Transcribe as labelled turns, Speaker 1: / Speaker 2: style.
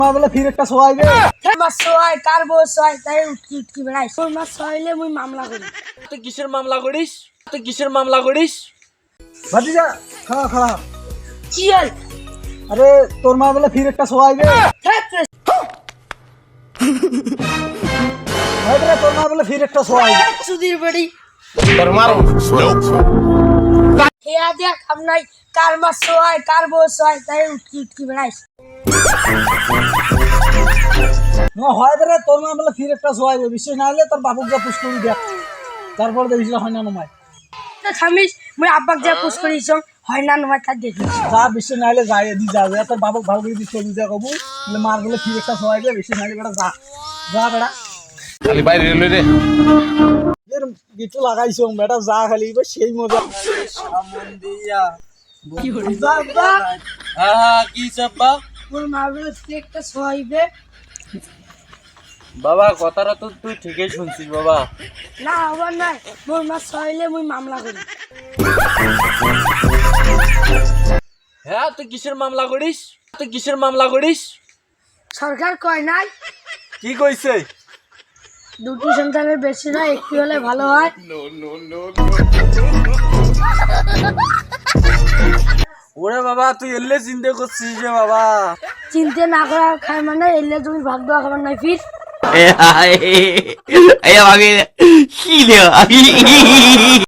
Speaker 1: বলে ফির একটা সোয়াইবে
Speaker 2: মাছ সোয়াই কার বউ সোয়াই তাই উঠকি উঠকি বেড়াই তোর মাছ সোয়াইলে মুই মামলা করি।
Speaker 3: তুই কিসের মামলা করিস? তুই কিসের মামলা করিস?
Speaker 1: ভাতিজা খাওয়া খাওয়া।
Speaker 2: চিয়াল
Speaker 1: আরে তোর মা বলে ফির একটা সোয়াইবে তোর মা বলে ফির একটা সোয়াইবে
Speaker 2: সুধীর বাড়ি হেয়া দেখ আমনাই কার মাছ সোয়াই কার বউ সোয়াই তাই উঠকি উঠকি বেড়াই।
Speaker 1: হয় রে তোর মা বলে ফির একটা সোয়াইবে বিশ্বাস না হলে তোর বাবুক যা পুষ করি দেখ তারপর দেখিস হয় না নমায়
Speaker 2: থামিস মুই আব্বাক যা পুষ করিস হয় না নয় তার দেখিস
Speaker 1: যা বিশ্বাস না হলে যাই দি যাবে তোর বাবুক ভালো করে দিস চলি যা কবু মার বলে ফির একটা সোয়াইবে বিশ্বাস না হলে বেটা যা যা বেটা
Speaker 4: খালি বাইরে রে রে
Speaker 1: এর গিটু লাগাইছো বেটা যা খালি এবার সেই মজা
Speaker 2: বাবা
Speaker 3: কি চাপা
Speaker 2: মোর মা বলে ফির একটা সোয়াইবে।
Speaker 3: বাবা কথাটা তো তুই ঠিকই শুনছিস বাবা।
Speaker 2: না আবার নাই মোর মাছ সোয়াইলে মুই মামলা করি।
Speaker 3: হ্যাঁ তুই কিসের মামলা করিস? তুই কিসের মামলা করিস?
Speaker 2: সরকার কয় নাই
Speaker 3: কি কইছে?
Speaker 2: দুটি সন্তানের বেশি না একটি হলে ভালো হয়।
Speaker 3: ওরে বাবা তুই এলে চিন্তা করছিস রে বাবা।
Speaker 2: চিন্তা না করা খায় মানে এলে তুমি ভাগ দেওয়া খাবার নাই ফির
Speaker 4: 哎呀，哎呀，妈给，气的。